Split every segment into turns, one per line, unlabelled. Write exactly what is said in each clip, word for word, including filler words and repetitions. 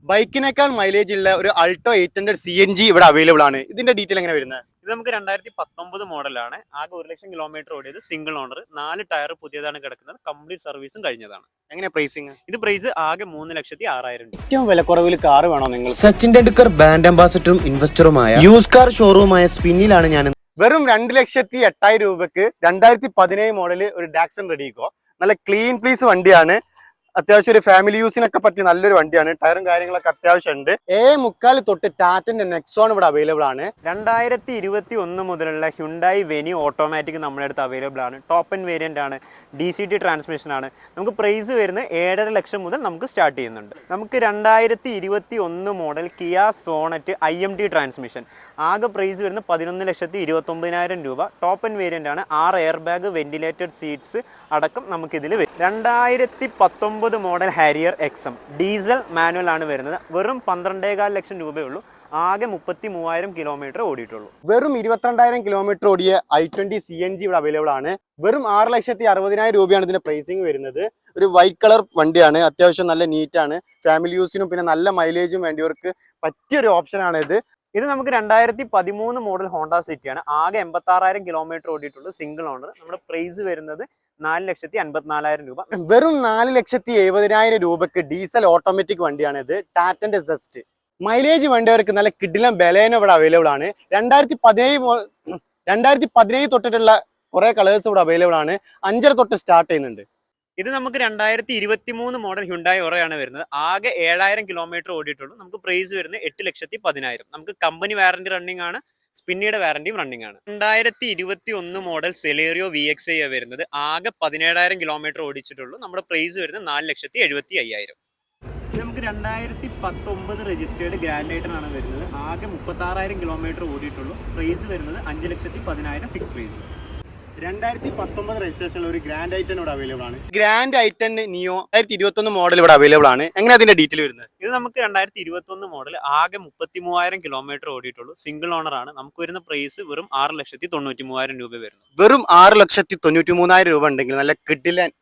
ബൈക്കിനേക്കാൾ mileage ഉള്ള ഒരു Alto eight hundred C N G ഇവിടെ അവൈലബിൾ ആണ്. ഇതിന്റെ ഡീറ്റെയിൽ എങ്ങനെ വരുന്നത്?
ഇത് നമുക്ക് രണ്ടായിരത്തി പത്തൊമ്പത് മോഡലാണ്. ആകെ ഒരു ലക്ഷം കിലോമീറ്റർ ഓടിയത്, സിംഗിൾ ഓണർ, നാല് ടയർ പുതിയതാണ് കിടക്കുന്നത്, കംപ്ലീറ്റ് സർവീസും കഴിഞ്ഞതാണ്.
എങ്ങനെ പ്രൈസിങ്?
ഇത് പ്രൈസ് ആകെ മൂന്ന് ലക്ഷത്തി ആറായിരം രൂപ.
ഏറ്റവും വിലക്കുറവിൽ കാർ വേണോ നിങ്ങൾ?
സച്ചിൻ ടെണ്ടുൽക്കർ ബ്രാൻഡ് അംബാസഡറും ഇൻവെസ്റ്ററുമായ യൂസ് കാർ ഷോറൂമായ സ്പിന്നിലാണ് ഞാൻ.
വെറും രണ്ട് ലക്ഷത്തി എട്ടായിരം രൂപക്ക് രണ്ടായിരത്തി പതിനേഴ് മോഡല് ഒരു ഡാക്സൺ റെഡിക്കോ. നല്ല ക്ലീൻ പ്ലീസ് വണ്ടിയാണ്. അത്യാവശ്യം ഒരു ഫാമിലി യൂസിനൊക്കെ പറ്റിയ നല്ലൊരു വണ്ടിയാണ്. ടയറും കാര്യങ്ങളൊക്കെ അത്യാവശ്യം ഉണ്ട്. ഏ മുക്കാൽ തൊട്ട് ടാറ്റന്റെ നെക്സോൺ ഇവിടെ അവൈലബിൾ ആണ്.
രണ്ടായിരത്തി ഇരുപത്തി ഒന്ന് മുതലുള്ള ഹ്യുണ്ടായി വെന്യൂ ഓട്ടോമാറ്റിക് നമ്മുടെ അടുത്ത് അവൈലബിൾ ആണ്. ടോപ്പ് എൻ വേരിയന്റ് ആണ്, ഡി സി ടി ട്രാൻസ്മിഷൻ ആണ്. നമുക്ക് പ്രൈസ് വരുന്നത് ഏഴര ലക്ഷം മുതൽ നമുക്ക് സ്റ്റാർട്ട് ചെയ്യുന്നുണ്ട്. നമുക്ക് രണ്ടായിരത്തി ഇരുപത്തി ഒന്ന് model Kia Sonet I M T transmission, ആകെ പ്രൈസ് വരുന്നത് പതിനൊന്ന് ലക്ഷത്തി ഇരുപത്തി ഒമ്പതിനായിരം രൂപ. ടോപ്പ് എൻ വേരിയന്റ് ആണ്, ആറ് എയർ ബാഗ്, വെന്റിലേറ്റഡ് സീറ്റ്സ് അടക്കം നമുക്കിതിൽ വരും. രണ്ടായിരത്തി പത്തൊമ്പത് model Harrier XM diesel manual ആണ് വരുന്നത്. വെറും പന്ത്രണ്ടേകാൽ ലക്ഷം രൂപയുള്ളൂ. ആകെ മുപ്പത്തി മൂവായിരം കിലോമീറ്റർ ഓടിയിട്ടുള്ളൂ.
വെറും ഇരുപത്തിരണ്ടായിരം കിലോമീറ്റർ ഓടിയ I twenty C N G ഇവിടെ അവൈലബിൾ ആണ്. വെറും ആറ് ലക്ഷത്തി അറുപതിനായിരം രൂപയാണ് ഇതിന്റെ പ്രൈസിങ് വരുന്നത്. ഒരു വൈറ്റ് കളർ വണ്ടിയാണ്, അത്യാവശ്യം നല്ല നീറ്റാണ്. ഫാമിലി യൂസിനും പിന്നെ നല്ല മൈലേജും വേണ്ടിയവർക്ക് പറ്റിയൊരു ഓപ്ഷനാണ് ഇത്.
ഇത് നമുക്ക് രണ്ടായിരത്തി പതിമൂന്ന് മോഡൽ ഹോണ്ട സിറ്റിയാണ്. ആകെ എൺപത്തി ആറായിരം കിലോമീറ്റർ ഓടിയിട്ടുള്ളൂ, സിംഗിൾ ഓണർ. നമ്മുടെ പ്രൈസ് വരുന്നത് നാല് ലക്ഷത്തി അൻപത്തിനാലായിരം രൂപ.
വെറും നാല് ലക്ഷത്തി എഴുപതിനായിരം രൂപക്ക് ഡീസൽ ഓട്ടോമാറ്റിക് വണ്ടിയാണ് ഇത്, ടാറ്റന്റെ സെസ്റ്റ്. മൈലേജ് വേണ്ടവർക്ക് നല്ല കിഡിലം ബലേനോ ഇവിടെ അവൈലബിൾ ആണ്. രണ്ടായിരത്തി പതിനേഴ് രണ്ടായിരത്തി പതിനേഴ് തൊട്ടിട്ടുള്ള കുറെ കളേഴ്സ് ഇവിടെ അവൈലബിൾ ആണ്. അഞ്ചര തൊട്ട് സ്റ്റാർട്ട് ചെയ്യുന്നുണ്ട്.
ഇത് നമുക്ക് രണ്ടായിരത്തി ഇരുപത്തി മൂന്ന് മോഡൽ ഹ്യുണ്ടായി ഒറയാണ് വരുന്നത്. ആകെ ഏഴായിരം കിലോമീറ്റർ ഓടിയിട്ടുള്ളൂ. നമുക്ക് പ്രൈസ് വരുന്നത് എട്ട് ലക്ഷത്തി പതിനായിരം. നമുക്ക് കമ്പനി വാറന്റി റണ്ണിംഗ് ആണ്, സ്പിന്നിയുടെ വാറന്റിയും റണ്ണിംഗ് ആണ്. രണ്ടായിരത്തി ഇരുപത്തി ഒന്ന് model Celerio V X I വരുന്നത്. ആകെ പതിനേഴായിരം കിലോമീറ്റർ ഓടിച്ചിട്ടുള്ളൂ. നമ്മുടെ പ്രൈസ് വരുന്നത് നാല് ലക്ഷത്തി എഴുപത്തി അയ്യായിരം. നമുക്ക് രണ്ടായിരത്തി പത്തൊമ്പത് രജിസ്റ്റേർഡ് ഗ്രാൻഡ് ഐറ്റൺ ആണ് വരുന്നത്. ആകെ മുപ്പത്തി ആറായിരം കിലോമീറ്റർ ഓടിയിട്ടുള്ളൂ. പ്രൈസ് വരുന്നത് അഞ്ച് ലക്ഷത്തി പതിനായിരം ഫിക്സ് പ്രൈസ്.
രണ്ടായിരത്തി പത്തൊമ്പത് രജിസ്ട്രേഷൻ ഒരു ഗ്രാൻഡ് ഐറ്റൻ ഇവിടെ അവൈലബിൾ ആണ്. ഗ്രാൻഡ് ഐറ്റൻ നിയോ രണ്ടായിരത്തി ഇരുപത്തി ഒന്ന് മോഡൽ ഇവിടെ അവൈലബിൾ ആണ്. എങ്ങനെ അതിന്റെ ഡീറ്റെയിൽ വരുന്നത്?
ഇത് നമുക്ക് രണ്ടായിരത്തി ഇരുപത്തി ഒന്ന് മോഡൽ, ആകെ മുപ്പത്തി മൂവായിരം കിലോമീറ്റർ ഓടിയിട്ടുള്ളൂ, സിംഗിൾ ഓണർ ആണ്. നമുക്ക് വരുന്ന പ്രൈസ് വെറും ആറ് ലക്ഷത്തി തൊണ്ണൂറ്റി മൂവായിരം രൂപ വരുന്നു.
വെറും ആറ് ലക്ഷത്തി തൊണ്ണൂറ്റി മൂന്നായിരം രൂപ ഉണ്ടെങ്കിൽ നല്ല കിഡിലൻ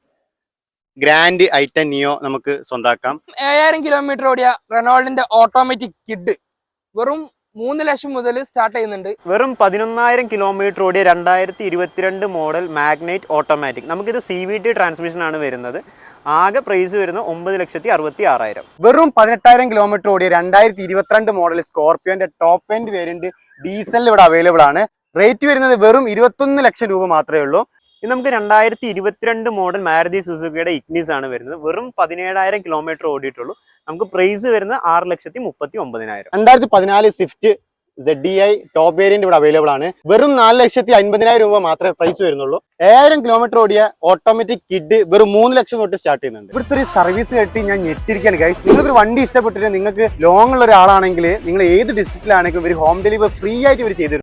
ഗ്രാൻഡ് ഐറ്റൻ നിയോ നമുക്ക് സ്വന്താക്കാം.
ഏഴായിരം കിലോമീറ്റർ ഓടിയ റെനോൾഡിന്റെ ഓട്ടോമാറ്റിക് കിഡ് വെറും മൂന്ന് ലക്ഷം മുതൽ സ്റ്റാർട്ട് ചെയ്യുന്നുണ്ട്.
വെറും പതിനൊന്നായിരം കിലോമീറ്റർ ഓടിയ രണ്ടായിരത്തി ഇരുപത്തിരണ്ട് മോഡൽ മാഗ്നൈറ്റ് ഓട്ടോമാറ്റിക്, നമുക്കിത് സി വി ടി ട്രാൻസ്മിഷൻ ആണ് വരുന്നത്. ആകെ പ്രൈസ് വരുന്നത് ഒമ്പത് ലക്ഷത്തി അറുപത്തി ആറായിരം.
വെറും പതിനെട്ടായിരം കിലോമീറ്റർ ഓടിയ രണ്ടായിരത്തി ഇരുപത്തിരണ്ട് മോഡൽ സ്കോർപിയോന്റെ ടോപ്പ് എൻഡ് വേരിയന്റ് ഡീസൽ ഇവിടെ അവൈലബിൾ ആണ്. റേറ്റ് വരുന്നത് വെറും ഇരുപത്തൊന്ന് ലക്ഷം രൂപ മാത്രമേ ഉള്ളൂ.
ഇത് നമുക്ക് രണ്ടായിരത്തി ഇരുപത്തിരണ്ട് മോഡൽ മാരുതി സുസുക്കിയുടെ ഇഗ്നിസ് ആണ് വരുന്നത്. വെറും പതിനേഴായിരം കിലോമീറ്റർ ഓടിയിട്ടുള്ളൂ. നമുക്ക് പ്രൈസ് വരുന്നത് ആറ് ലക്ഷത്തി മുപ്പത്തി ഒമ്പതിനായിരം.
രണ്ടായിരത്തി പതിനാല് Swift Z D I top variant ഇവിടെ അവൈലബിൾ ആണ്. വെറും നാല് ലക്ഷത്തി അൻപതിനായിരം രൂപ മാത്രമേ പ്രൈസ് വരുന്നുള്ളൂ. ഏഴായിരം കിലോമീറ്റർ ഓടിയ ഓട്ടോമാറ്റിക് കിഡ് വെറും മൂന്ന് ലക്ഷം തൊട്ട് സ്റ്റാർട്ട് ചെയ്യുന്നുണ്ട്. ഇവിടുത്തെ ഒരു സർവീസ് കേട്ടി ഞാൻ ഞെട്ടിരിക്കുകയാണ് ഗൈസ്. നിങ്ങൾക്ക് ഒരു വണ്ടി ഇഷ്ടപ്പെട്ടിട്ട് നിങ്ങൾക്ക് ലോങ് ഉള്ള ഒരാളാണെങ്കിൽ നിങ്ങൾ ഏത് ഡിസ്ട്രിക്റ്റിലാണെങ്കിലും ഒരു ഹോം ഡെലിവറി ഫ്രീ ആയിട്ട് ഇവർ ചെയ്തു.